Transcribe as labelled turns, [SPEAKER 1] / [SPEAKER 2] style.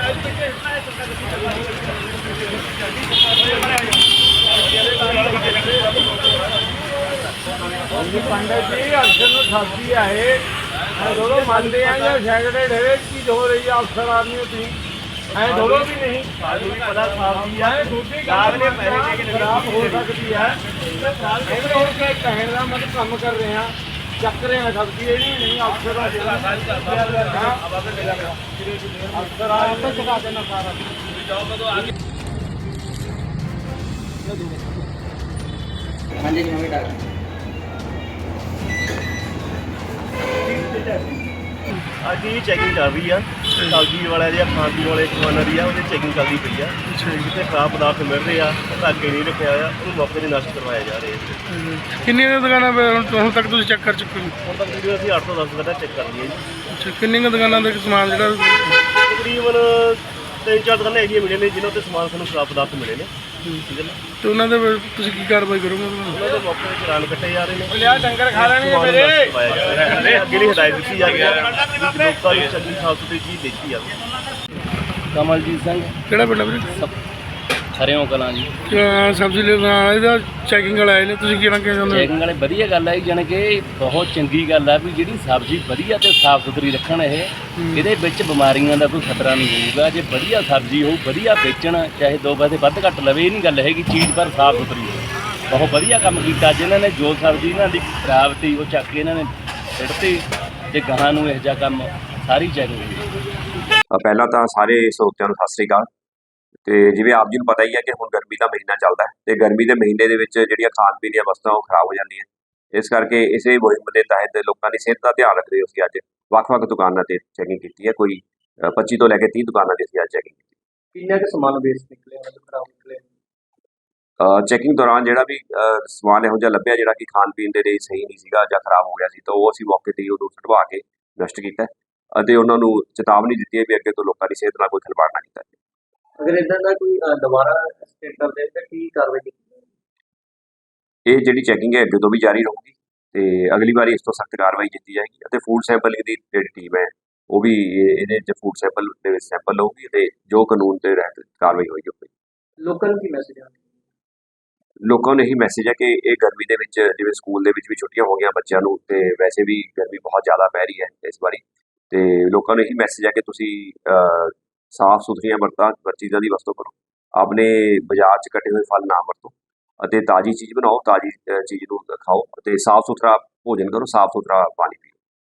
[SPEAKER 1] पंडित जी अफसर सब्जी है दोनों मानते हैं जो सैकड़े ढेरे चीज हो रही है अफसर आदमी थी दोनों भी नहीं पता सब्जी है दूसरी खराब हो सकती है कहने का मतलब कम कर रहे हैं ਚੱਕ ਰਹੇ ਆ ਸਬਜ਼ੀ ਇਹ ਨਹੀਂ ਅਫਸਰ ਅਫਸਰ ਆ ਤਾਂ ਚੁਕਾ ਦੇਣਾ ਸਾਰਾ ਜਾਓ ਕਦੋਂ ਆ ਗਏ ਹਾਂਜੀ ਜੀ ਨਵੇਂ ਡਾਕ
[SPEAKER 2] ਅੱਜ ਹੀ ਚੈਕਿੰਗ ਕਰ ਰਹੀ ਆ ਸਬਜ਼ੀ ਵਾਲਿਆਂ ਦੀ ਖਾਣ ਪੀਣ ਵਾਲੇ ਦੁਕਾਨਾਂ ਦੀ ਆ ਉਹਦੀ ਚੈਕਿੰਗ ਚੱਲਦੀ ਪਈ ਆ ਜਿੱਥੇ ਖਰਾਬ ਪਦਾਰਥ ਮਿਲ ਰਹੇ ਆ ਉਹਦਾ ਅੱਗੇ ਨਹੀਂ ਰੱਖਿਆ ਹੋਇਆ ਉਹਨੂੰ ਮੌਕੇ 'ਤੇ ਨਸ਼ਟ ਕਰਵਾਇਆ ਜਾ ਰਿਹਾ
[SPEAKER 3] ਕਿੰਨੀਆਂ ਦੁਕਾਨਾਂ ਹੁਣ ਤੱਕ ਤੁਸੀਂ ਚੈੱਕ ਕਰ ਚੁੱਕੇ ਹੋ?
[SPEAKER 2] ਹੁਣ ਤੱਕ ਵੀਡੀਓ ਅਸੀਂ 8 ਤੋਂ 10 ਦੁਕਾਨਾਂ ਚੈੱਕ ਕਰ ਲਈਆਂ ਜੀ।
[SPEAKER 3] ਅੱਛਾ, ਕਿੰਨੀਆਂ ਦੁਕਾਨਾਂ ਦਾ ਸਮਾਨ ਜਿਹੜਾ
[SPEAKER 2] ਤਕਰੀਬਨ 3-4 ਦੁਕਾਨਾਂ ਇਹਦੀਆਂ ਮਿਲੀਆਂ ਨੇ ਜਿਨ੍ਹਾਂ 'ਤੇ ਸਮਾਨ ਸਾਨੂੰ ਖਰਾਬ ਪਦਾਰਥ ਮਿਲੇ ਨੇ ਠੀਕ ਹੈ ਨਾ
[SPEAKER 3] ਤੇ ਉਹਨਾਂ ਦੇ ਤੁਸੀਂ ਕੀ ਕਾਰਵਾਈ ਕਰੋਗੇ?
[SPEAKER 2] ਉਹਨਾਂ ਦੇ ਮੌਕੇ 'ਤੇ ਚਲਾਨ ਕੱਟੇ ਜਾ ਰਹੇ ਨੇ
[SPEAKER 1] ਲਿਆ ਡੰਗਰ ਖਾ ਲੈਣਗੇ ਮੇਰੇ
[SPEAKER 2] ਅੱਗੇ ਨਹੀਂ ਹਦਾਇਤ ਦਿੱਤੀ ਜਾ ਰਹੀ ਹੈ ਲੋਕਾਂ ਨੂੰ ਚੰਗੀ ਸਾਫ਼ ਸੁਥਰੀ ਚੀਜ਼ ਦਿੱਤੀ ਜਾਵੇ।
[SPEAKER 4] ਕਮਲਜੀਤ ਸਿੰਘ
[SPEAKER 3] ਕਿਹੜਾ ਪਿੰਡ ਵੀਰੇ?
[SPEAKER 4] ਹਰਿਓਂ ਕਲਾਂ ਜੀ।
[SPEAKER 3] ਸਬਜ਼ੀ ਲੈਣ ਇਹਦਾ ਚੈਕਿੰਗ ਵਾਲੇ ਆਏ ਨੇ, ਤੁਸੀਂ ਕੀ ਕਹਿਣਾ ਚਾਹੁੰਦੇ?
[SPEAKER 4] ਚੈਕਿੰਗ ਵਾਲੇ ਵਧੀਆ ਗੱਲ ਹੈ ਜਾਣੀ ਕਿ ਬਹੁਤ ਚੰਗੀ ਗੱਲ ਹੈ ਵੀ ਜਿਹੜੀ ਸਬਜ਼ੀ ਵਧੀਆ ਤੇ ਸਾਫ਼ ਸੁਥਰੀ ਰੱਖਣ ਇਹਦੇ ਵਿੱਚ ਬਿਮਾਰੀਆਂ ਦਾ ਕੋਈ ਖਤਰਾ ਨਹੀਂ ਹੋਊਗਾ। ਜੇ ਵਧੀਆ ਸਬਜ਼ੀ ਹੋਊ ਵਧੀਆ ਵੇਚਣ ਚਾਹੇ 2 ਪੈਸੇ ਵੱਧ ਘੱਟ ਲਵੇ ਇਹ ਨਹੀਂ ਗੱਲ ਹੈਗੀ, ਚੀਜ਼ ਪਰ ਸਾਫ਼ ਸੁਥਰੀ ਹੋਵੇ। ਬਹੁਤ ਵਧੀਆ ਕੰਮ ਕੀਤਾ ਜਿਨ੍ਹਾਂ ਨੇ ਜੋ ਸਬਜ਼ੀ ਇਹਨਾਂ ਦੀ ਖਰਾਬ ਤੀ ਉਹ ਚੱਕ ਕੇ ਇਹਨਾਂ ਨੇ ਸਿੱਟਤੀ ਤੇ ਗਾਹਾਂ ਨੂੰ ਇਹੋ ਜਿਹਾ ਕੰਮ ਸਾਰੀ ਚੈਕਿੰਗ ਹੋਈ।
[SPEAKER 5] ਪਹਿਲਾਂ ਤਾਂ ਸਾਰੇ ਸਰੋਤਿਆਂ ਨੂੰ ਸਤਿ ਸ੍ਰੀ ਅਕਾਲ। ਤੇ ਜਿਵੇਂ ਆਪ ਜੀ ਨੂੰ ਪਤਾ ਹੀ ਹੈ ਕਿ ਹੁਣ ਗਰਮੀ ਦਾ ਮਹੀਨਾ ਚੱਲਦਾ ਹੈ ਤੇ ਗਰਮੀ ਦੇ ਮਹੀਨੇ ਦੇ ਵਿੱਚ ਜਿਹੜੀਆਂ ਖਾਣ ਪੀਣ ਦੀਆਂ ਵਸਤਾਂ ਉਹ ਖਰਾਬ ਹੋ ਜਾਂਦੀਆਂ। ਇਸ ਕਰਕੇ ਇਸੇ ਮੁਹਿੰਮ ਦੇ ਤਹਿਤ ਲੋਕਾਂ ਦੀ ਸਿਹਤ ਦਾ ਧਿਆਨ ਰੱਖਦੇ ਹੋਏ ਅਸੀਂ ਅੱਜ ਵੱਖ-ਵੱਖ ਦੁਕਾਨਾਂ ਤੇ ਚੈਕਿੰਗ ਕੀਤੀ ਹੈ। ਕੋਈ 25 ਤੋਂ ਲੈ ਕੇ 30 ਦੁਕਾਨਾਂ ਤੇ ਅਸੀਂ ਅੱਜ ਚੈਕਿੰਗ ਕੀਤੀ।
[SPEAKER 4] ਕਿੰਨਾ ਕੁ ਸਮਾਨ ਵੇਸਟ ਨਿਕਲਿਆ ਖਰਾਬ ਨਿਕਲਿਆ?
[SPEAKER 5] ਚੈਕਿੰਗ ਦੌਰਾਨ ਜਿਹੜਾ ਵੀ ਸਮਾਨ ਇਹੋ ਜਿਹਾ ਲੱਭਿਆ ਜਿਹੜਾ ਕਿ ਖਾਣ ਪੀਣ ਦੇ ਲਈ ਸਹੀ ਨਹੀਂ ਸੀਗਾ ਜਾਂ ਖਰਾਬ ਹੋ ਗਿਆ ਸੀ ਤਾਂ ਉਹ ਅਸੀਂ ਮੌਕੇ 'ਤੇ ਹੀ ਉਹਨੂੰ ਸੁਟਵਾ ਕੇ ਨਸ਼ਟ ਕੀਤਾ ਅਤੇ ਉਹਨਾਂ ਨੂੰ ਚੇਤਾਵਨੀ ਦਿੱਤੀ ਹੈ ਵੀ ਅੱਗੇ ਤੋਂ ਲੋਕਾਂ ਦੀ ਸਿਹਤ ਨਾਲ ਕੋਈ ਖਿਲਵਾੜ ਨਾ ਕੀਤਾ ਜਾਵੇ।
[SPEAKER 4] ਅਗਰ ਇਦਾਂ ਦਾ ਕੋਈ ਦੁਬਾਰਾ ਸਟੇਟ ਕਰਦੇ ਤਾਂ ਕੀ ਕਾਰਵਾਈ ਕੀਤੀ?
[SPEAKER 5] ਇਹ ਜਿਹੜੀ ਚੈਕਿੰਗ ਹੈ ਅੱਗੇ ਤੋਂ ਵੀ ਜਾਰੀ ਰਹੂਗੀ ਤੇ ਅਗਲੀ ਵਾਰੀ ਇਸ ਤੋਂ ਸਖਤ ਕਾਰਵਾਈ ਕੀਤੀ ਜਾਏਗੀ ਅਤੇ ਫੂਡ ਸੈਂਪਲਿੰਗ ਦੀ ਜਿਹੜੀ ਟੀਮ ਹੈ ਉਹ ਵੀ ਇਹਦੇ 'ਚ ਫੂਡ ਸੈਂਪਲ ਦੇ ਵਿੱਚ ਸੈਂਪਲ ਲਊਗੀ ਤੇ ਜੋ ਕਾਨੂੰਨ ਦੇ ਰਹਿਤ ਕਾਰਵਾਈ ਹੋਏਗੀ ਉਹ
[SPEAKER 4] ਲੋਕਾਂ ਨੂੰ ਕੀ ਮੈਸੇਜ ਹੈ?
[SPEAKER 5] ਲੋਕਾਂ ਨੂੰ ਇਹੀ ਮੈਸੇਜ ਹੈ ਕਿ ਇਹ ਗਰਮੀ ਦੇ ਵਿੱਚ ਜਿਵੇਂ ਸਕੂਲ ਦੇ ਵਿੱਚ ਵੀ ਛੁੱਟੀਆਂ ਹੋ ਗਈਆਂ ਬੱਚਿਆਂ ਨੂੰ ਤੇ ਵੈਸੇ ਵੀ ਗਰਮੀ ਬਹੁਤ ਜ਼ਿਆਦਾ ਪੈ ਰਹੀ ਹੈ ਇਸ ਵਾਰੀ ਤੇ ਲੋਕਾਂ ਨੂੰ ਇਹੀ ਮੈਸੇਜ ਹੈ ਕਿ ਤੁਸੀਂ ਸਾਫ਼ ਸੁਥਰੀਆਂ ਚੀਜ਼ਾਂ ਦੀ ਵਰਤੋਂ ਕਰੋ। ਆਪਣੇ ਬਾਜ਼ਾਰ 'ਚ ਕੱਟੇ ਹੋਏ ਫਲ ਨਾ ਵਰਤੋ ਅਤੇ ਤਾਜ਼ੀ ਚੀਜ਼ ਬਣਾਓ, ਤਾਜ਼ੀ ਚੀਜ਼ ਨੂੰ ਖਾਓ ਅਤੇ ਸਾਫ਼ ਸੁਥਰਾ ਭੋਜਨ ਕਰੋ, ਸਾਫ਼ ਸੁਥਰਾ ਪਾਣੀ ਪੀਓ।